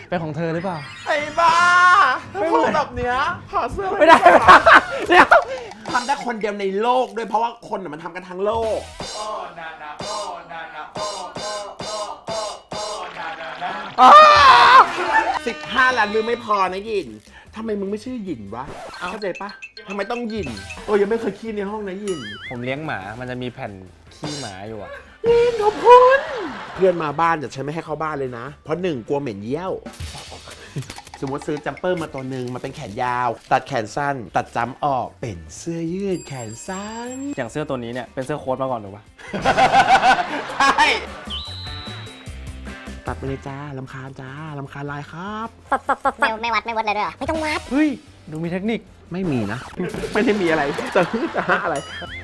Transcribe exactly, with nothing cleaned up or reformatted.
เป็นของเธอหรือเปล่าไอ้บ้าถ้าพูดแบบเนี้ยถอดเสื้อไม่ได้เดี๋ยวทำได้คนเดียวในโลกด้วยเพราะว่าคนน่ะมันทำกันทั้งโลกโอ้นานาโอ้นานาโอ้โอ้โอ้โอ้โอ้นานานาสิบห้าล้านมือไม่พอนะหยินทำไมมึงไม่ชื่อหยินวะเข้าใจปะทำไมต้องหยินโอ้ยังไม่เคยขี้ในห้องนะหยินผมเลี้ยงหมามันจะมีแผ่นขี้หมาอยู่อะยินขอบคุณเพื่อนมาบ้านจะฉันไม่ให้เข้าบ้านเลยนะ เพราะหนึ่งกลัวเหม็นเยี่ยว สมมติซื้อจัมเปอร์มาตัวหนึ่งมาเป็นแขนยาว ตัดแขนสั้น ตัดจำออกเป็นเสื้อยืดแขนสั้นอย่างเสื้อตัวนี้เนี่ยเป็นเสื้อโค้ทมาก่อนถูกปะใช่ตัดไปเลยจ้าลำคาญจ้าลำคาญลายครับไม่ไม่วัดไม่วัดเลยด้วยเหรอไม่ต้องวัดเฮ้ยดูมีเทคนิคไม่มีนะ ไม่ได้มีอะไรจะฮืดจะฮะอะไร